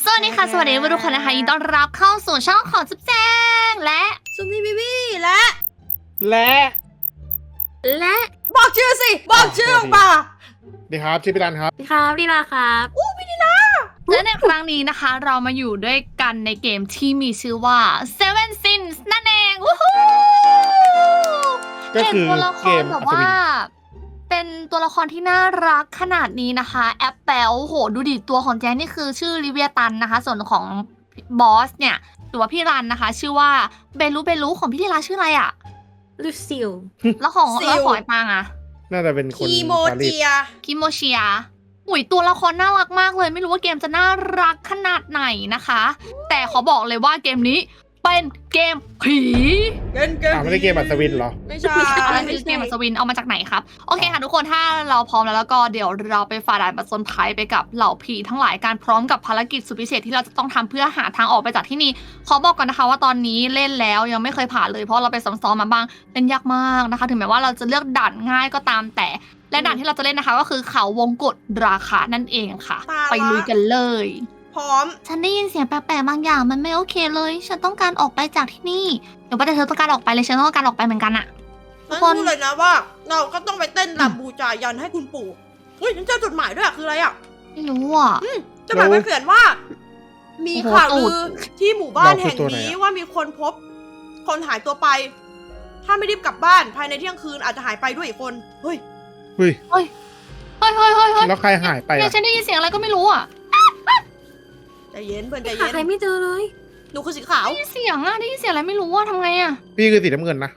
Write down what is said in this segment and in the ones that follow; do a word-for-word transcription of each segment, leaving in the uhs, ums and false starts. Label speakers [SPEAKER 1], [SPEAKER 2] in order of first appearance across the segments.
[SPEAKER 1] สวัสดีค่ะ สวัสดีทุกคนนะคะยินดีต้อนรับเข้าสู่ช่องของจุ๊บแจงและ
[SPEAKER 2] ซุมนี่บีบี้และ
[SPEAKER 3] และ
[SPEAKER 1] และ
[SPEAKER 2] บอกชื่อสิ บอกชื่อออกมา
[SPEAKER 3] ดีครับชื่อพี่รันครับ
[SPEAKER 4] สวัสดีครับลีลาครับอู้
[SPEAKER 1] และในครั้งนี้นะคะ เรามาอยู่ด้วยกันในเกมที่มีชื่อว่า Seven Sins นั่นเองวู้ฮู้
[SPEAKER 3] ก็คือ
[SPEAKER 1] เห็นตัวละค
[SPEAKER 3] เก
[SPEAKER 1] ร
[SPEAKER 3] ม
[SPEAKER 1] แบบ
[SPEAKER 3] อัศ
[SPEAKER 1] ว่า
[SPEAKER 3] วิน
[SPEAKER 1] เป็นตัวละครที่น่ารักขนาดนี้นะคะแอปเปิลโหดูดิตัวของแจงนี่คือชื่อลิเวียตันนะคะ ส่วนของบอสเนี่ยหรือว่าพี่รันนะคะ ชื่อว่าเบลูเบลูของพี่ธีราชื่ออะไรอะ
[SPEAKER 4] ลูซิล
[SPEAKER 1] แล้วของ
[SPEAKER 2] ซิล
[SPEAKER 1] แล้วของไอ้ปางอะ
[SPEAKER 3] น่าจะเป็นคน
[SPEAKER 2] คีโม
[SPEAKER 3] ปารีส
[SPEAKER 2] เจีย
[SPEAKER 1] คิโมเชียหุยตัวละครน่ารักมากเลย ไม่รู้ว่าเกมจะน่ารักขนาดไหนนะคะ แต่ขอบอกเลยว่าเกมนี้เป็นเกมผี
[SPEAKER 2] เกินเกิน
[SPEAKER 3] อ่าไม่ได้เกมอัศวินเหรอ
[SPEAKER 2] ไม่ใช่
[SPEAKER 1] อะไรคือเกมอัศวินเอามาจากไหนครับ โอเคค่ะทุกคนถ้าเราพร้อมแล้วแล้วก็เดี๋ยวเราไปฝ่าด่านประจนภัยไปกับเหล่าผีทั้งหลายการพร้อมกับภารกิจสุดพิเศษที่เราจะต้องทำเพื่อหาทางออกไปจากที่นี่ขอบอกก่อนนะคะว่าตอนนี้เล่นแล้วยังไม่เคยผ่านเลยเพราะเราไปซ้อมๆมาบ้างเล่นยากมากนะคะ ถึงแม้ว่าเราจะเลือกด่านง่ายก็ตามแต่และด่านที่เราจะเล่นนะคะ ก็คือเขาวงกฏราคานั่นเองค่ะ ไปลุยกันเลย
[SPEAKER 2] พร้อม
[SPEAKER 1] ฉันได้ยินเสียงแปลกๆบางอย่างมันไม่โอเคเลย ฉันต้องการออกไปจากที่นี่เดี๋ยวว่าแต่เธอต้องการออกไปเลยฉันต้องการออกไปเหมือนกันอะทุก
[SPEAKER 2] ฉัน
[SPEAKER 1] คน
[SPEAKER 2] พูดเลยนะว่า เราก็ต้องไปเต้นรำบูชายันให้คุณปู่เฮ้ยฉันเจอจดหมายด้วยอะคืออะไรอะ
[SPEAKER 1] ไม่รู้อ่ะ
[SPEAKER 2] จดหมายมันเขียนว่า มี
[SPEAKER 1] โอ้โห
[SPEAKER 2] ข่าว
[SPEAKER 1] ตู
[SPEAKER 2] ลื
[SPEAKER 1] ด
[SPEAKER 2] อที่หมู่บ้าน
[SPEAKER 3] เราคือ
[SPEAKER 2] แห่ง
[SPEAKER 3] ตัวไหน
[SPEAKER 2] นี้
[SPEAKER 3] อะ
[SPEAKER 2] ว่ามีคนพบ คนหายตัวไป ถ้าไม่รีบกลับบ้านภายในเที่ยงคืนอาจจะหายไปด้วยอีกคนเฮ้ย
[SPEAKER 3] เฮ้ย
[SPEAKER 1] เฮ้ยเฮ้ยเฮ้ยเฮ้ย
[SPEAKER 3] แล้วใครหายไป
[SPEAKER 1] เนี่ย
[SPEAKER 3] อ่ะ
[SPEAKER 1] ฉันได้ยินเสียงอะไรก็ไม่รู้อ่ะ
[SPEAKER 2] ใจเย็นเพื่อนใจ
[SPEAKER 4] หา
[SPEAKER 2] เย็น
[SPEAKER 4] ใครไม่เจอเลย
[SPEAKER 2] หนูคือสีขาว
[SPEAKER 1] ได้ยินเสียงอ่ะได้ยินเสียงอะไรไม่รู้อ่ะทำไงอ่ะ
[SPEAKER 3] พี่คือสีน้ำเงินนะ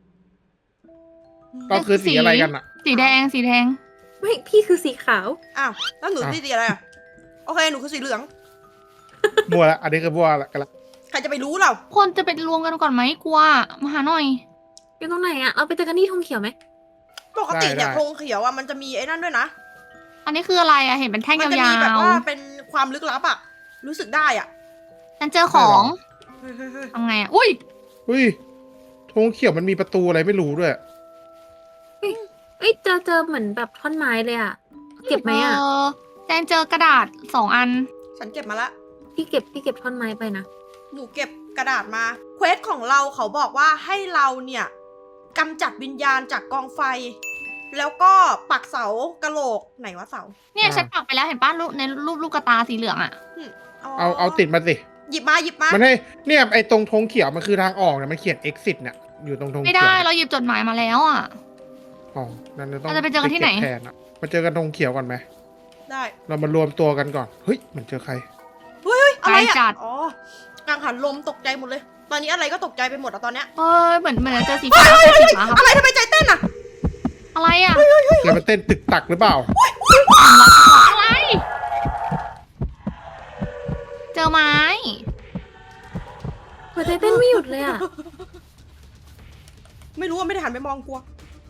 [SPEAKER 3] ก็คือสีอะไรกันอ่ะ
[SPEAKER 1] สีแดงสีแดง
[SPEAKER 4] ไม่พี่คือสีขาว
[SPEAKER 2] อ้าวแล้วหนู
[SPEAKER 3] อ่ะ
[SPEAKER 2] สีอะไรอะโอเคหนูคือสีเหลือง
[SPEAKER 3] บัวละอันนี้คือบัวละกันละ
[SPEAKER 2] ใครจะไปรู้เรา
[SPEAKER 1] คนจะไปรวมกันก่อนไหมกลัวมาหาหน่อย
[SPEAKER 4] อยู่ตรงไหนอะเราไปเจอกันที่ธงเขียวไหม
[SPEAKER 2] ปกติเนี่ยธงเขียวอะมันจะมีไอ้นั่นด้วยนะ
[SPEAKER 1] อันนี้คืออะไรอ่ะเห็นเป็นแท่ง
[SPEAKER 2] มั
[SPEAKER 1] ย
[SPEAKER 2] จะมีแบบ
[SPEAKER 1] าว
[SPEAKER 2] ว่าเป็นความลึกลับอะรู้สึกได้อะ
[SPEAKER 1] ๆฉันเจอของ
[SPEAKER 2] เฮ้ยเฮ้ยเฮ้ย
[SPEAKER 1] ทำไงอ่ะอุ้ย
[SPEAKER 3] อุ้ยธงเขียวมันมีประตูอะไรไม่รู้ด้วย
[SPEAKER 4] เอ้ยเจอเจอเหมือนแบบท่อนไม้เลยอะเก็บไหมอะ
[SPEAKER 1] เออแจงเจอกระดาษสองอัน
[SPEAKER 2] ฉันเก็บมาละ
[SPEAKER 4] พี่เก็บพี่เก็บท่อนไม้ไปนะ
[SPEAKER 2] หนูเก็บกระดาษมาเควสของเราเขาบอกว่าให้เราเนี่ยกำจัดวิญญาณจากกองไฟ แล้วก็ปักเสากะโหลกไหนวะเสา
[SPEAKER 1] เนี่ย
[SPEAKER 3] อ่า
[SPEAKER 1] ฉันปักไปแล้วเห็นป้ารูปในรูปลูกกระตาสีเหลืองอ่ะ
[SPEAKER 3] เอาเอาติดมาสิ
[SPEAKER 2] หยิบมาหยิบมา
[SPEAKER 3] มันให้เนี่ยไอ้ตรงธงเขียวมันคือทางออกเนี่ยมันเขียน exit เนี่ยอยู่ตรงธง
[SPEAKER 1] ไม่
[SPEAKER 3] เขี
[SPEAKER 1] ได้
[SPEAKER 3] ยว
[SPEAKER 1] เราหยิบจดหมายมาแล้วอ่ะ
[SPEAKER 3] อ๋อนั่นจะต้อง
[SPEAKER 1] เราจะไปเจอกันที่ไหน
[SPEAKER 3] ก็บแทนอะมาเจอกันธงเขียวก่อนไหม
[SPEAKER 2] ได้
[SPEAKER 3] เรามารวมตัวกันก่อนเฮ้ยเหมือนเจอใคร
[SPEAKER 2] เฮ้ยเฮ้ยอะไร
[SPEAKER 1] ไกลจั
[SPEAKER 2] อะ
[SPEAKER 1] ด
[SPEAKER 2] อ๋อกังหันลมตกใจหมดเลย ตอนนี้อะไรก็ตกใจไปหมดอะตอนเนี้ย
[SPEAKER 1] เออเหมือนเหมือนจะเจอสีฟ้าเจอสีฟ้าครับ
[SPEAKER 2] อะไรทำไมใจเต้นอะ
[SPEAKER 1] อะไรอ่ะ
[SPEAKER 3] แล้วมันเต้นตึกตักหรือเปล่า
[SPEAKER 1] อะไร เจอไม้
[SPEAKER 4] หัวใจเต้นไม่หยุดเลยอะ
[SPEAKER 2] ไม่รู้ว่าไม่ได้หันไปมองกลัว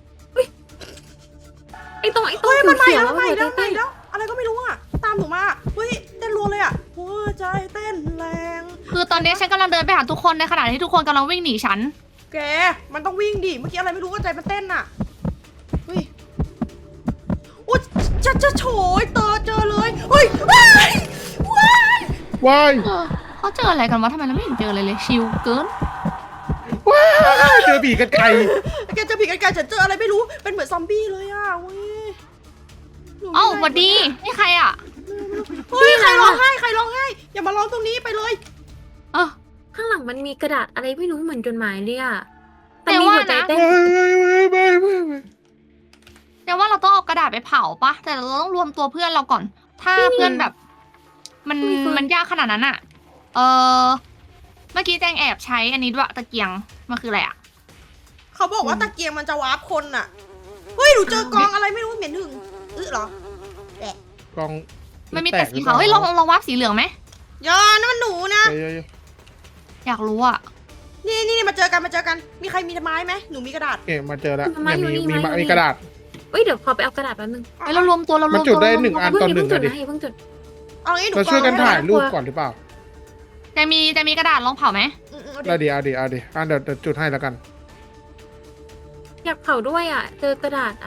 [SPEAKER 4] ไอ้ตรงไอ้ตรง
[SPEAKER 2] เฮ้ยมันมา
[SPEAKER 4] เขียว
[SPEAKER 2] แล้ว
[SPEAKER 4] ๆ
[SPEAKER 2] มา
[SPEAKER 4] หัวใจ
[SPEAKER 2] แล้วมา
[SPEAKER 4] เต้น
[SPEAKER 2] แล้วอะไรก็ไม่รู้อะตามหนูมาเฮ้ยเต้นรัวเลยอะหัวใจเต้นแรง
[SPEAKER 1] คือตอนนี้ฉันกำลังเดินไปหาทุกคนในขณะที่ทุกคนกำลังวิ่งหนีฉัน
[SPEAKER 2] แกมันต้องวิ่งดิเมื่อกี้อะไรไม่รู้ก็ใจมันเต้นอะเฮ้ยอุ๊ยจะจะโฉยเตอเจอเลยเฮ้ยว้ายว้าย
[SPEAKER 3] ว้าย
[SPEAKER 1] เออเขาเจออะไรกันวะทำไมเราไม่เห็นเจออะไรเลยชิลเกิน
[SPEAKER 3] ว้ายเจอผีกันไกล
[SPEAKER 2] แกเจอผีกันไกลฉันเจออะไรไม่รู้เป็นเหมือนซอมบี้เลยอะเว้ยหนูไม่
[SPEAKER 1] เอ้า
[SPEAKER 2] ไ
[SPEAKER 1] หวัดดีนี่ใครอ่ะ
[SPEAKER 2] เฮ้ยใครร้องไห้ใครร้องไห้อย่ามาร้องตรงนี้ไปเลย
[SPEAKER 1] เออ
[SPEAKER 4] ข้างหลังมันมีกระดาษอะไรไม่รู้เหมือนจดหมายเลยอะแต่
[SPEAKER 1] แต่
[SPEAKER 4] มี
[SPEAKER 1] ว่า
[SPEAKER 4] หัวใจ
[SPEAKER 1] นะ
[SPEAKER 4] เต้น
[SPEAKER 3] ไม่ไม่ไม่ไม่ไม่
[SPEAKER 1] แต่ว่าเราต้องเอากระดาษไปเผาปะแต่เราต้องรวมตัวเพื่อนเราก่อน ถ้าเพื่อนแบบ มันมันยากขนาดนั้นอ่ะ เออเมื่อกี้แจงแอบใช้อันนี้ด้วยตะเกียงมันคืออะไรอ่ะ
[SPEAKER 2] เขาบอกว่าตะเกียงมันจะวาร์ปคนน่ะ เฮ้ย หนูเจอกองอะไรไม่รู้เหม็นหึงอื้อเหรอ
[SPEAKER 3] กอง
[SPEAKER 1] มันมีแต่สีขาวเฮ้ยลองลองวับสีเหลืองไหม
[SPEAKER 2] อย่านั่นมันหนูนะ
[SPEAKER 3] เยอะ
[SPEAKER 1] อยากรู้อ่ะ
[SPEAKER 2] นี่นี่นี่มาเจอกันมาเจอกัน มีใครมีไม้ไหมหนูมีกระดาษ
[SPEAKER 3] ๆเอ๊ะมาเจอแล้วเนี่ยมีมีมีกระดาษ
[SPEAKER 4] เอ้ยเดี๋ยวขอไปเอากระดาษแป๊บนึง
[SPEAKER 1] เฮ้ยเรารวมตัวเรารวม
[SPEAKER 3] มันจุด
[SPEAKER 1] ตัว
[SPEAKER 3] ได้
[SPEAKER 1] เรารวม
[SPEAKER 3] หนึ่งอัน
[SPEAKER 1] ตัว
[SPEAKER 3] ตอนหนึ่ง
[SPEAKER 4] เพิ่งจุด
[SPEAKER 3] อะดิ
[SPEAKER 4] นะอย่าเพิ่งจุด
[SPEAKER 2] เอางี้หนู
[SPEAKER 3] เราช่วยกัน
[SPEAKER 2] กอง
[SPEAKER 3] ถ่าย
[SPEAKER 2] ไว้
[SPEAKER 3] รูปก่อนหรือเปล่า
[SPEAKER 1] จะมีจะมีกระดาษลองเผาไหม
[SPEAKER 2] อืมอืมเอา
[SPEAKER 3] ได้
[SPEAKER 2] ดิ
[SPEAKER 3] ดีเอาดีเอาดีอ่ะเดี๋ยวเดี๋ยวจุดให้แล้วกัน
[SPEAKER 4] อยากเผาด้วยอะเจอกระดาษอะ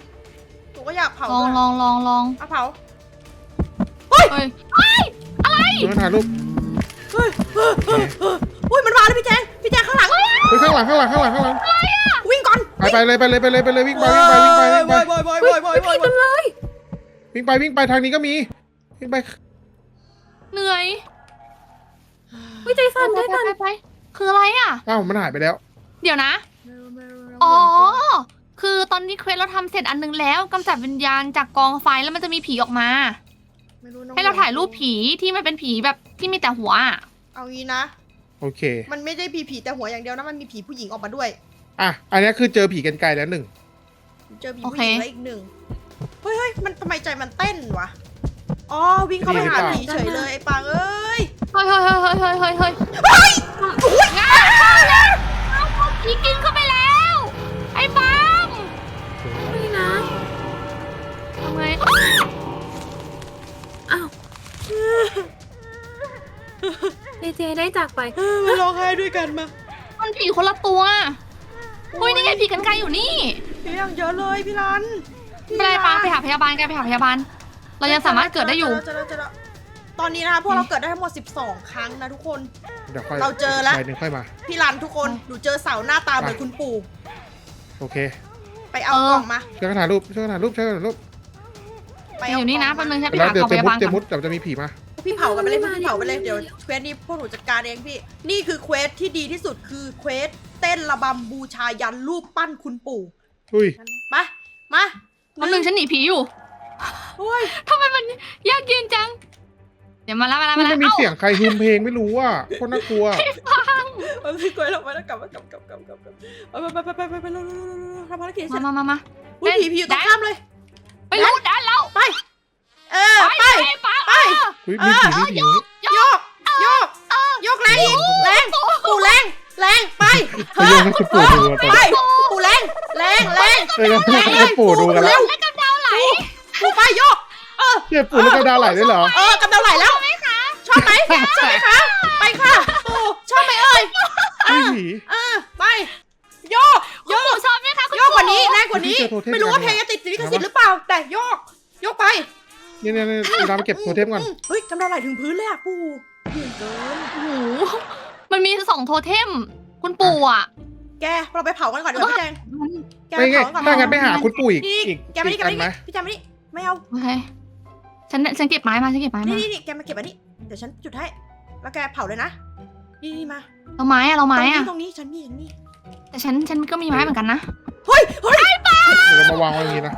[SPEAKER 2] หนูก็อยากเผา
[SPEAKER 1] ลอง
[SPEAKER 2] ด้วย
[SPEAKER 1] ลองลองลอง
[SPEAKER 2] เอาเผา
[SPEAKER 1] เฮ้ยเฮ้ยอะไร
[SPEAKER 3] ช่วยกันถ่ายรูป
[SPEAKER 2] เฮ้ยเฮ้ยเฮ้ยเฮ้ยอุ้ยมันมาแล้วพี่แจงพี่แจงข้างหลัง
[SPEAKER 3] เฮ้ยข้างหลังข้างหลังข้างหลังข้างหลัง
[SPEAKER 2] วิ่งก่อน
[SPEAKER 3] ไปไปเลยไปเลยไปเลยไปเลยวิ่งไปวิ่งไปวิ่งไปวิ่งไป
[SPEAKER 2] ไปไปไปไปไป
[SPEAKER 4] ผีกันเลย
[SPEAKER 3] วิ่งไปวิ่งไปทางนี้ก็มีวิ่งไป
[SPEAKER 1] เหนื่อย
[SPEAKER 4] วิใจสั่น
[SPEAKER 1] ไป
[SPEAKER 4] ใจ
[SPEAKER 1] ไป
[SPEAKER 4] สั่น
[SPEAKER 1] ไปไปคืออะไรอ่ะ
[SPEAKER 3] อ้าวมันหายไปแล้ว
[SPEAKER 1] เดี๋ยวนะ อ๋อ คือตอนนี้เควสเราทำเสร็จอันนึงแล้วกำจัดวิญญาณจากกองไฟแล้วมันจะมีผีออกมา
[SPEAKER 2] ไม่รู้น้อง
[SPEAKER 1] ให้เราถ่ายรูปผีที่มันเป็นผีแบบที่มีแต่หัวอะ
[SPEAKER 2] เอางี้นะ
[SPEAKER 3] โอเค
[SPEAKER 2] มันไม่ได้ผีผีแต่หัวอย่างเดียวนะมันมีผีผู้หญิงออกมาด้วย
[SPEAKER 3] อ่ะอันนี้คือเจอผีกันไกลแล้วหนึ่ง
[SPEAKER 2] เจอผีผู้หญิงแล้วอีกหนึ่งเฮ้ยเฮ้ยมันทำไมใจมันเต้นวะอ๋อวิ่งเข้าไปหาผีเฉยเลยไอ้ปางเอ้ย
[SPEAKER 1] เฮ้ยเฮ้ยเฮ้ยเฮ้ยเฮ้ยเฮ้ยเฮ้ยเฮ้ยงานเข้าแล้วเอาผีกินเข้าไปแล้ว ไอ้ปัง
[SPEAKER 4] นี่นะ
[SPEAKER 1] ทำไง
[SPEAKER 4] อ้าวเจเจได้จากไป
[SPEAKER 2] เออมาร้องไห้ด้วยกันมา
[SPEAKER 1] มันผีคนละตัวเฮ้ยนี่ไงผีกันไกลอยู่นี่
[SPEAKER 2] ผีอย่างเยอะเลยพี่รัน
[SPEAKER 1] ไม่เป็นไรปังไปหาพยาบาลกันไปหาพยาบาล เรายังสามารถเกิดได้อยู่
[SPEAKER 2] เจอแล้วเจอแล้วตอนนี้นะคะพวกเราเกิดได้ทั้งหมดสิบสองครั้งนะทุกคน
[SPEAKER 3] เดี๋ยวค่อย
[SPEAKER 2] เราเจอแล้ว
[SPEAKER 3] ใบหนึ่งค่อยมา
[SPEAKER 2] พี่รันทุกคนหนูเจอเสาหน้าตาเหมือนคุณปู่
[SPEAKER 3] โอเค
[SPEAKER 2] ไปเอา
[SPEAKER 1] เออ
[SPEAKER 2] กล่องมา
[SPEAKER 3] ช่วยกันถ่ายรูปช่วยกันถ่ายรูปช่วยกันถ่ายรูป
[SPEAKER 2] ไป
[SPEAKER 1] อ
[SPEAKER 2] เอา
[SPEAKER 1] ยู่นี่นะ
[SPEAKER 2] กล่
[SPEAKER 1] แป๊
[SPEAKER 2] อบ ง
[SPEAKER 1] นึ
[SPEAKER 2] มาง
[SPEAKER 1] ฉันไป
[SPEAKER 3] แล้ว
[SPEAKER 1] หา
[SPEAKER 3] เดี๋ยว
[SPEAKER 1] กอง
[SPEAKER 3] เจ
[SPEAKER 1] พ
[SPEAKER 3] มุด
[SPEAKER 1] ยาบาล
[SPEAKER 3] เจ
[SPEAKER 1] ก่
[SPEAKER 3] มุ
[SPEAKER 1] อน
[SPEAKER 3] ดเดี๋ยวจะมีผีมา
[SPEAKER 2] พี่เผากันไปเลยพี่เผาไปเลยเดี๋ยวเควสนี้พวกหนูจัดการเองพี่ นี่คือเควสที่ดีที่สุดคือเควสเต้นระบำบูชายันรูปปั้นคุณปู่
[SPEAKER 3] อุ้ย
[SPEAKER 2] มามา
[SPEAKER 1] แป๊บนึงฉันหนีผีอยู่
[SPEAKER 2] โอ้ย
[SPEAKER 1] ทำไมมันยากเย็นจัง เดี๋ยวมาแล้วมาแล้ว
[SPEAKER 3] มั
[SPEAKER 1] มาน แล้ว
[SPEAKER 3] มี
[SPEAKER 1] เอ้า
[SPEAKER 3] เสียงใครฮึมเพลงไม่รู้อ่ะโคตรน่ากลัว
[SPEAKER 2] เอาพี่กล้วยลงไปแล้วกลับมากลับกลับกลับกลับกลับไปไปไปไปไปไปเร็วเร็วเร็วเร็วทำภารกิจเสร็
[SPEAKER 1] มา
[SPEAKER 2] จ
[SPEAKER 1] มามามา
[SPEAKER 2] อุ้ยผีผีอยู่ตรงข้ามเลย
[SPEAKER 1] ไปรู้ด้านแล้ว
[SPEAKER 2] ไป เออ
[SPEAKER 1] ไป
[SPEAKER 2] ไป
[SPEAKER 1] ไปไป
[SPEAKER 2] ไป
[SPEAKER 3] อุ้ยมีผีมีผี
[SPEAKER 2] โยกโยกโยกแรงอีกแรงปู่แรงแรงไป
[SPEAKER 3] ไปโยนให้คุณปู่ดูอะตอน
[SPEAKER 2] ไป
[SPEAKER 3] นี้
[SPEAKER 2] ปู่แรงแรงแรง
[SPEAKER 3] เอ้ยงั้นให้คุณปู่ดูกันแล้ว
[SPEAKER 1] แล้วกำเดาไหล
[SPEAKER 2] ปู่ไปโยก เออ
[SPEAKER 3] เจ็บปู่แล้วก็ดาวไหลด้วยเหรอ
[SPEAKER 2] เออกำเดาไหลแล้ว ชอบไหมชอบไหมคะ ไปค่ะปู่ชอบไหมเอ่ย
[SPEAKER 3] มีผี
[SPEAKER 2] เออไป โยก
[SPEAKER 1] โย
[SPEAKER 2] โยก
[SPEAKER 1] ชอบไหมคะคุณ
[SPEAKER 2] โยกกว่านี้แรงกว่านี้
[SPEAKER 3] พี่เจอโทเทม
[SPEAKER 2] ไม่รู้ว่าเพลงจะติดลิขสิทธิ์หรือเปล่า แต่โยก โยกไป
[SPEAKER 3] เนี่ยเนี่ยเนี่ยเวลาไปเก็บโทเทมก่อน
[SPEAKER 2] เฮ้ยกำเดาไหลถึงพื้นเลยอะปู่เก่งเกิน
[SPEAKER 1] โอ้โหมันมีสองโทเทม คุณปู่อ่ะ
[SPEAKER 2] แกเราไปเผากันก่อนเดี๋ยวพี่แจง
[SPEAKER 1] มัน
[SPEAKER 2] แกไป
[SPEAKER 3] ไม่ไง
[SPEAKER 2] เผากันก่อน
[SPEAKER 3] ถ้างั้นไปหาคุณปู่อีก
[SPEAKER 2] นี่
[SPEAKER 3] อีก
[SPEAKER 2] แกมานี่
[SPEAKER 3] อี
[SPEAKER 2] แก
[SPEAKER 3] ก
[SPEAKER 2] มา
[SPEAKER 3] อันไหม
[SPEAKER 2] นี่พี่แจงมานี่ไม่เอา
[SPEAKER 1] โอเค ฉันฉันเก็บไม้มาฉันเก็บไม้
[SPEAKER 2] นี่
[SPEAKER 1] มา
[SPEAKER 2] นี่นี่แกมาเก็บอันนี้ เดี๋ยวฉันจุดให้ แล้วแกเผาเลยนะ นี่นี่มา
[SPEAKER 1] เราไม้อะเราไม้อะ
[SPEAKER 2] ตรงนี้ตรงนี้ฉันมีฉันมี
[SPEAKER 1] แต่ฉันฉันก็มีไม้เหมือนกันนะ
[SPEAKER 2] เฮ้ยเฮ้ย
[SPEAKER 3] เดี๋ยวเรามาวางไว้อย่างนี้นะ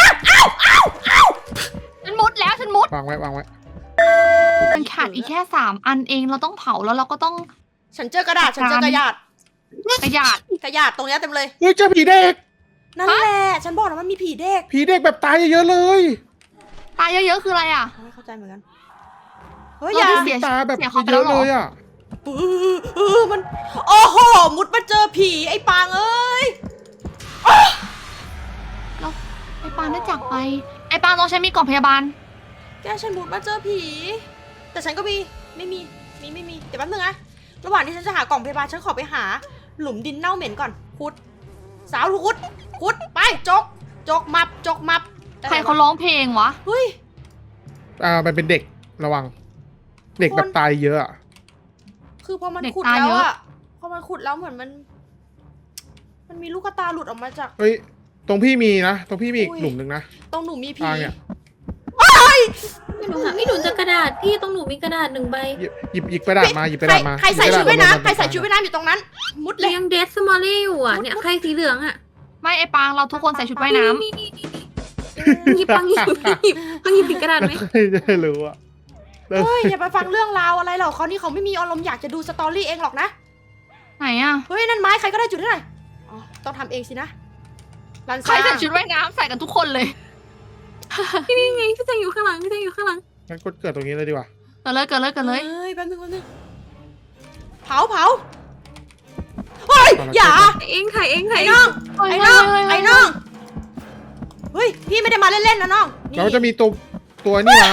[SPEAKER 1] ฉันมุดแล้วฉันมุด
[SPEAKER 3] วางไว้วางไว้
[SPEAKER 1] มันขาดอีกแค่สามอันเองเราต้องเผาแล้วเราก็ต้อง
[SPEAKER 2] ฉันเจอกระดาษ ฉันเจอกระดาษ
[SPEAKER 1] กระยาด
[SPEAKER 2] กระดาษตรงเนี้ยเต็มเลย
[SPEAKER 3] เฮ้ยเจอผีเด็ก
[SPEAKER 2] นั่นแหละ ฉันบอกนะมันมีผีเด็ก
[SPEAKER 3] ผีเด็กแบบตายเยอะๆเลย
[SPEAKER 1] ตายเยอะๆคืออะไรอ่ะ
[SPEAKER 2] ไม่เข้าใจเหมือนกัน เฮ้ย
[SPEAKER 1] เรา
[SPEAKER 2] อย่า
[SPEAKER 1] เสีย
[SPEAKER 3] ตาแบบ
[SPEAKER 1] เสียเขาไป
[SPEAKER 3] เย
[SPEAKER 1] แล้ว
[SPEAKER 3] อะ
[SPEAKER 1] เหร
[SPEAKER 3] เล
[SPEAKER 1] อ
[SPEAKER 3] ยอ่ะ
[SPEAKER 2] ปื้อเออมัน โอ้โห มุดมาเจอผีไอ้ปางเอ้ย
[SPEAKER 1] ไอ้ปานได้จากไป ไอ้ปานต้องใช้มีกล่องพยาบาล
[SPEAKER 2] แกฉันมุดมาเจอผี แต่ฉันก็มี ไม่มี มีไม่มี เดี๋ยวแป๊บนึงนะ ระหว่างที่ฉันจะหากล่องพยาบาลฉันขอไปหา หลุมดินเน่าเหม็นก่อนขุด สาวขุดขุดไปจก จกมับ จกมับ
[SPEAKER 1] ใครเขาร้องเพลงวะ
[SPEAKER 2] เฮ้ย
[SPEAKER 3] อ่ามันเป็นเด็กระวัง เด็กแบบตายเยอะอะ
[SPEAKER 2] คือพอมัน
[SPEAKER 1] เด็ก
[SPEAKER 2] ขุด
[SPEAKER 1] ตา
[SPEAKER 2] แล้ว
[SPEAKER 1] เยอะ
[SPEAKER 2] อะพอมันขุดแล้วเหมือนมัน มันมีลูกตาหลุดออกมาจาก
[SPEAKER 3] เฮ้ยตรงพี่มีนะตรงพี่มีอีก
[SPEAKER 2] อุ้ย
[SPEAKER 3] หลุมหนึ่งนะ
[SPEAKER 2] ตรงหนูมีผี
[SPEAKER 3] อ่าเนี่ย
[SPEAKER 4] ไม่รู้ค่ะพี่หนูเจะกระดาษพี่ตรงหนูมีกระดาษหนึ่งใบ
[SPEAKER 3] หยิบหยิบหยิบกระดาษมาหยิบกระดาษมา
[SPEAKER 2] ใครใส่
[SPEAKER 3] หยิ
[SPEAKER 2] ชุ
[SPEAKER 3] บ
[SPEAKER 2] ด
[SPEAKER 3] กระ
[SPEAKER 2] ว่าย
[SPEAKER 3] ดษ
[SPEAKER 2] น้ำใครใส่ชุดว่ายน้ำอยู่ตรงนั้น มุดเลย
[SPEAKER 4] เรียงเดสมอลลี่อยู่อ่ะเนี่ยใครสีเหลืองอ่ะ
[SPEAKER 1] ไม่ไอ้ปางเราทุกคนใส่ชุดว่ายน้ำ
[SPEAKER 4] นี่นี่นี่นี่หยิบปังหยิบหยิบปังหยิบผิดกระดาษไหม
[SPEAKER 3] ใครจะรู้อะ
[SPEAKER 2] เฮ้ยอย่าไปฟังเรื่องราวอะไรหรอกเขานี่เขาไม่มีอารมณ์อยากจะดูสตอรี่เองหรอกนะ
[SPEAKER 1] ไหนอ่ะ
[SPEAKER 2] เฮ้ยนั่นไม้ใครก็ได้จุดได้หน่อยอ๋อต้องทำเองสินะรัน
[SPEAKER 1] ใคร
[SPEAKER 2] ซ่า
[SPEAKER 1] ใส่ชุดว่ายน้ำใส่กันทุกคนเลย
[SPEAKER 4] พี่นี่ไงพี่แจงอยู่ข้างหลังพี่แจงอยู่ข้างหลัง
[SPEAKER 3] งั้นกดเกิดตรงนี้เลยดีกว่า
[SPEAKER 1] เกิดเลยเกิดเลยเกิดเลย
[SPEAKER 2] เฮ้ยแป๊บนึงแป๊บนึงเผาเผาเฮ้ยอย่า
[SPEAKER 4] ถ่ายเองถ่ายเองถ่าย
[SPEAKER 2] ไอ้
[SPEAKER 4] เอง
[SPEAKER 2] น้อง
[SPEAKER 1] เฮ้ย
[SPEAKER 2] ไอ้น้อง
[SPEAKER 1] เฮ้ยเฮ้ย
[SPEAKER 2] ไอ้น้องเฮ้ยพี่ไม่ได้มาเล่นๆนะน้องนี่
[SPEAKER 3] เราจะมีตัวตัวนี่มา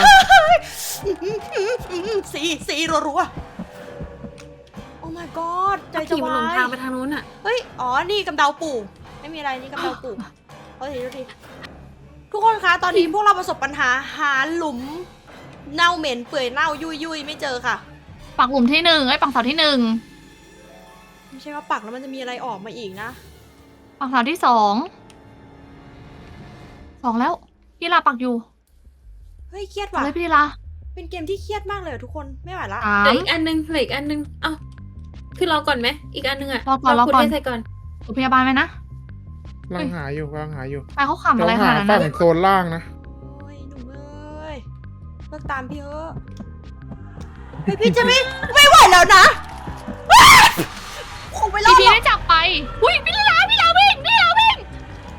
[SPEAKER 2] สีสีรัวๆโอ้ my god ใจจะ
[SPEAKER 4] ขี่มันหล
[SPEAKER 2] วาง
[SPEAKER 4] ทาง
[SPEAKER 2] ย
[SPEAKER 4] ไปทางนู้นอ่ะ
[SPEAKER 2] เฮ้ย อ๋อ นี่กำเดาปู่ ไม่มีอะไร นี่กำเดาปู่เอาทีดูทีทุกคนคะ ตอนนี้พวกเราประสบปัญหาหาหลุมเน่าเหม็นเปื่อยเน่ายุยยุยไม่เจอค่ะ
[SPEAKER 1] ปักหลุมที่หนึ่งไอ้ยปักเสาที่หนึ่ง
[SPEAKER 2] ไม่ใช่ว่าปักแล้วมันจะมีอะไรออกมาอีกนะ
[SPEAKER 1] ปักเสาที่สองสองแล้วพี่ลาปักอยู่
[SPEAKER 2] เฮ้ยเครียด
[SPEAKER 1] เอา
[SPEAKER 2] ว่ะ
[SPEAKER 1] เลยพี่ลา
[SPEAKER 2] เป็นเกมที่เครียดมากเลยอะทุกคนไม่ไหวละ
[SPEAKER 1] สา
[SPEAKER 4] เหลื
[SPEAKER 1] ม
[SPEAKER 4] ออีกอันนึงเหลืออีกอันนึงเอ้าคือรอก่อนไหมอีกอันนึงอะ
[SPEAKER 1] รอก่อนรอ
[SPEAKER 4] คุณ
[SPEAKER 1] ก่อน
[SPEAKER 4] ให้ใส่ก่อน
[SPEAKER 1] อยู่พยาบาลไหมนะ
[SPEAKER 3] กำลังหาอยู่กำลังหาอยู่
[SPEAKER 1] ไปเขาขำอะไร
[SPEAKER 3] เรา
[SPEAKER 1] ข
[SPEAKER 3] หา
[SPEAKER 1] นาดนั้น
[SPEAKER 3] ฝั่ง
[SPEAKER 1] นะ
[SPEAKER 3] โซนล่างนะ
[SPEAKER 2] โอ้ยหนุ่มเอ้ยเลิกตามพี่เถอะเฮ้ยพี่จะไม่ไม่ไหวแล้วนะว้ายคงไปรอ
[SPEAKER 1] พี่
[SPEAKER 2] ด
[SPEAKER 1] พี
[SPEAKER 2] หรอก
[SPEAKER 1] ได้จับไปอุ้ยพี่ลาพี่ลาวิ่งพี่ลาวิ่ง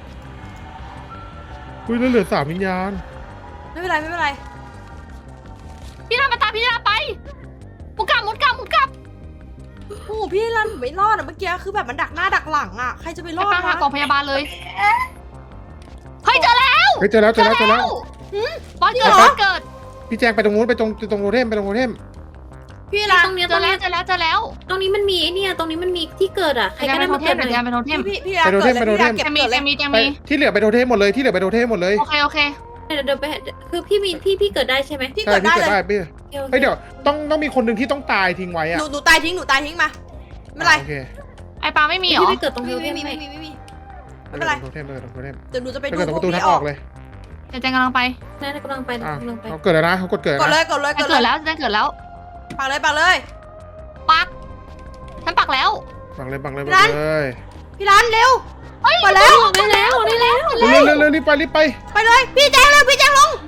[SPEAKER 3] อุ้ยแล้วเหลือสามวิญญาณ
[SPEAKER 2] ไม่เป็นไรไม่เป็นไร
[SPEAKER 1] พี่ลามาตามพี่ลาไปมุดกลับมุดกลับมุดกลับ
[SPEAKER 2] โอ้โหพี่รันไม่รอดอะเมื่อกี้คือแบบมันดักหน้าดักหลังอะใครจะไปร
[SPEAKER 1] ไป
[SPEAKER 2] อด
[SPEAKER 1] ปาหา
[SPEAKER 2] นะ
[SPEAKER 1] กล่องพยาบาลเลยเฮ้ยเจอแล้ว
[SPEAKER 3] เฮ้ยเจอแล้วเจอแล้วเจอแล้ว
[SPEAKER 1] บอสเกิดบอสเกิด
[SPEAKER 3] พี่แจงไปตรงนู้นไปตรงตรงโทเทมไปตรงโทเทม
[SPEAKER 2] พี่รัน
[SPEAKER 4] ตรงเนี้ย
[SPEAKER 1] เจ
[SPEAKER 4] ตร
[SPEAKER 1] อง แล้
[SPEAKER 4] เนี้
[SPEAKER 1] วย เจอแล้วเจอแล้ว
[SPEAKER 4] ตรงนี้มันมีไอ้เนี่ยตรงนี้มันมีที่เกิดอะใคร
[SPEAKER 1] เดี๋ยว
[SPEAKER 4] ก็
[SPEAKER 1] ไป
[SPEAKER 4] ได้
[SPEAKER 1] โท
[SPEAKER 4] มา
[SPEAKER 1] เท
[SPEAKER 4] เกิ
[SPEAKER 1] ม
[SPEAKER 4] ดหน่
[SPEAKER 1] เดี๋ยว
[SPEAKER 4] อย
[SPEAKER 1] ไปโทเทม
[SPEAKER 2] พี่พี่รันเกิดเลยพี่รันเก็บ
[SPEAKER 1] จะมี
[SPEAKER 2] เกิดเล
[SPEAKER 1] จะ
[SPEAKER 2] ย
[SPEAKER 1] มีจะ
[SPEAKER 3] ไป
[SPEAKER 1] มี
[SPEAKER 3] ที่เหลือไปโทเทมหมดเลยที่เหลือไปโทเทมหมดเลย
[SPEAKER 1] โอเคโอเค
[SPEAKER 4] เดี๋ยวเดี๋ยวไปคือพี่มีพี่พี่เกิดได้ใช่ไหม
[SPEAKER 2] พี่
[SPEAKER 3] ใช่
[SPEAKER 2] เกิด
[SPEAKER 3] พี่
[SPEAKER 2] ได้
[SPEAKER 3] เกิด
[SPEAKER 2] เลย
[SPEAKER 3] ได้พี่
[SPEAKER 4] โอเค
[SPEAKER 3] เฮ้ยเดี๋ยวต้องต้องมีคนหนึ่งที่ต้องตายทิ้งไว้
[SPEAKER 2] ห
[SPEAKER 3] อะ
[SPEAKER 2] นูหนูตายทิ้งหนูตายทิ้งมาไม่เป็นไร
[SPEAKER 3] โอเค
[SPEAKER 1] ไอปลาไม่มีเหร
[SPEAKER 4] พี่
[SPEAKER 1] อ
[SPEAKER 4] ไปเกิดตรงเท
[SPEAKER 2] ไม่
[SPEAKER 4] ล
[SPEAKER 2] มี
[SPEAKER 4] เท
[SPEAKER 2] ไม่
[SPEAKER 4] ม
[SPEAKER 2] มี
[SPEAKER 4] ไหม
[SPEAKER 2] ไม่มีไม่มีไม่เป็นไร
[SPEAKER 3] โทเทมเลยโทเทม
[SPEAKER 2] เดี๋ยวหนูจะไป
[SPEAKER 3] ไป
[SPEAKER 2] ดู
[SPEAKER 3] เกิดตรง
[SPEAKER 2] พ
[SPEAKER 3] ป
[SPEAKER 2] ว
[SPEAKER 3] ระ
[SPEAKER 2] ก
[SPEAKER 3] ตูทา
[SPEAKER 2] นี้
[SPEAKER 3] ง
[SPEAKER 2] อ
[SPEAKER 3] อ
[SPEAKER 2] อ
[SPEAKER 3] อก กเลย
[SPEAKER 1] เดี๋ยวแจงกำลังไป
[SPEAKER 4] นั่นกำลังไป
[SPEAKER 3] อ่ะ
[SPEAKER 4] กำลังไป
[SPEAKER 3] เขาเกิดแล้วนะเขากดเกิด
[SPEAKER 2] กดเล
[SPEAKER 3] นะ
[SPEAKER 2] ยกดเลย
[SPEAKER 1] แจ
[SPEAKER 2] ก
[SPEAKER 1] ง
[SPEAKER 2] ด
[SPEAKER 1] เกิด
[SPEAKER 2] เลย
[SPEAKER 1] แล้วแจงเกิดแล้ว
[SPEAKER 2] ปักเลยปักเลย
[SPEAKER 1] ปักฉันปักแล้ว
[SPEAKER 3] บังเลยบังเลย
[SPEAKER 2] พี่
[SPEAKER 3] บั
[SPEAKER 2] รั
[SPEAKER 3] ง
[SPEAKER 2] น
[SPEAKER 3] เลย
[SPEAKER 2] พี่รันเร็ว
[SPEAKER 1] เฮ้ย
[SPEAKER 2] มาแล้ว
[SPEAKER 4] ได้แล้วได้แล้ว
[SPEAKER 3] เร็วเร็วเร็วรีบไปรีบไป
[SPEAKER 2] ไปเลยพี่แจงเร็วพี่แจงลง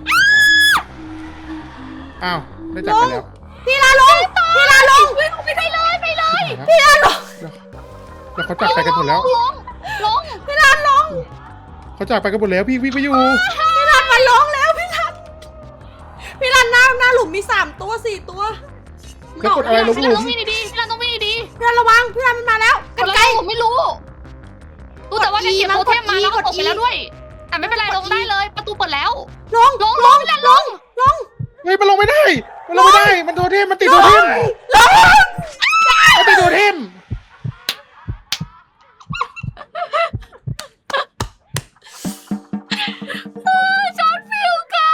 [SPEAKER 3] อ้าวได้จับไปแล้ว
[SPEAKER 2] พี่รันลงพี่รันลง
[SPEAKER 1] ไปได้เลยไปเลย
[SPEAKER 3] พี่รันแล้วเขาจับไปกันหมดแล้ว
[SPEAKER 1] ลงลง
[SPEAKER 2] พี่รันลง
[SPEAKER 3] เขาจับไปกันหมดแล้วพี่วิ่งไปอยู่
[SPEAKER 2] พี่รันมาลงแล้วพี่รันพี่รันหน้าหน้าหลุมมีสามตัวสี่ตัว
[SPEAKER 3] แล้วกดอะไรลง
[SPEAKER 1] พี่
[SPEAKER 3] ห
[SPEAKER 1] รัน
[SPEAKER 3] ลุ
[SPEAKER 1] ต้
[SPEAKER 3] ม
[SPEAKER 1] องวิ่งดีๆพี่รันต้องวิ่งดี
[SPEAKER 2] พี่รันระวังพี่รันมันมาแล้ว
[SPEAKER 1] ๆ
[SPEAKER 2] กัน
[SPEAKER 1] แล้ว
[SPEAKER 2] ไกล
[SPEAKER 1] ผมไม่รู้รู้แต่ว่าแจงเก็บโทเทมมาแล้วก็ตกไปแล้วด้วย แต่ไม่เป็นไรลงได้เลย ประตูเปิดแล้ว
[SPEAKER 2] ลง
[SPEAKER 1] ลงลงพี่รันลง
[SPEAKER 2] ลง
[SPEAKER 3] เฮ้ยมันลงไม่ได้ มันลงไม่ได้ มันโทเทมมันติดโทเทม
[SPEAKER 2] ลง
[SPEAKER 3] มันติดโทเทม
[SPEAKER 1] ช็อตฟิลกัน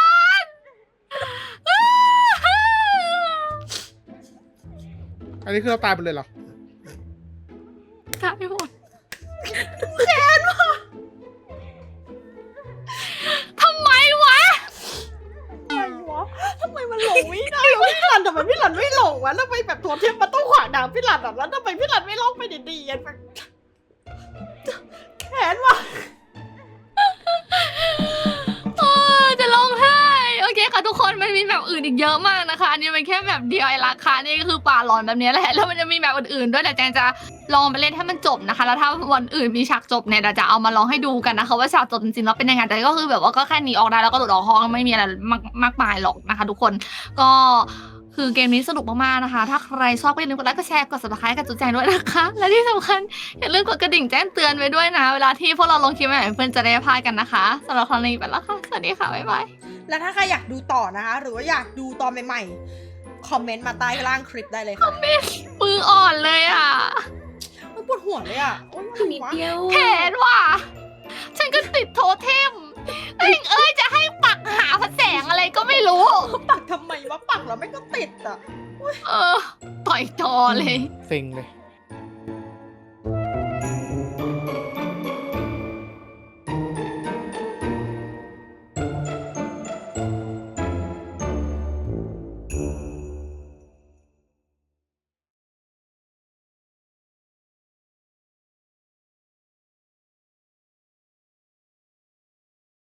[SPEAKER 3] อันนี้คือเราตายไปเลยเหรอ
[SPEAKER 1] ตายหมดทำไมวะ
[SPEAKER 2] อะไรวะทำไมมันหลงไม่ได้วะพี่รันทำไมพี่รันไม่หลงวะแล้วไปแบบตัวเทียมมันต้องขวางดางพี่รันอ่ะแล้วทำไมพี่รันไม่ลงไปดีๆอ่ะแขนวะ
[SPEAKER 1] โอ้จะร้องไห้โอเคค่ะทุกคนมันมีแบบอื่นอีกเยอะมากนะคะอันนี้เป็นแค่แบบเดียวไอ้ราคานี่ก็คือป่าหลอนแบบนี้แหละแล้วมันจะมีแบบอื่นๆด้วยแต่แจงจะลองไปเล่นให้มันจบนะคะแล้วถ้าวันอื่นมีฉากจบเนี่ยเดี๋ยวจะเอามาลองให้ดูกันนะคะว่าฉากจบจริงๆแล้วเป็นยังไงแต่ก็คือแบบว่าก็แค่หนีออกได้แล้วก็หลุดออกห้องไม่มีอะไรมากมากมายหรอกนะคะ ทุกคนก็คือเกมนี้สนุกมากๆนะคะ ถ้าใครชอบก็อย่าลืมกดไลค์กดแชร์กด ซับสไครบ์ กับจุ๊แจงด้วยนะคะ และที่สำคัญอย่าลืมกดกระดิ่งแจ้งเตือนไว้ด้วยนะ เวลาที่พวกเราลงคลิปใหม่ๆเพื่อนจะได้ไม่พลาดกันนะคะสำหรับครั้งนี้ไปแล้วค่ะสวัสดีค่ะบ๊ายบาย
[SPEAKER 2] แล้วถ้าใครอยากดูต่อนะคะ หรือว่าอยากดูตอนใหม่ๆคอมเมนต์มาใต้ล่างคลิปได้เลยค่ะ
[SPEAKER 1] มืออ่อนเลยอ่ะ
[SPEAKER 2] มันปวดหัวเลยอ่ะโอ๊ย
[SPEAKER 4] นิดเดียว
[SPEAKER 1] แขนว่ะ ฉันก็ติดโทเทมเอ้ยเอ้ยจะให้ปักหาพระแสงอะไรก็ไม่รู้
[SPEAKER 2] ปักทำไมวะปักแล้วไม่ก็ติดอ่ะ
[SPEAKER 1] เออ ต่อยจอเลย
[SPEAKER 3] เซ็งเลย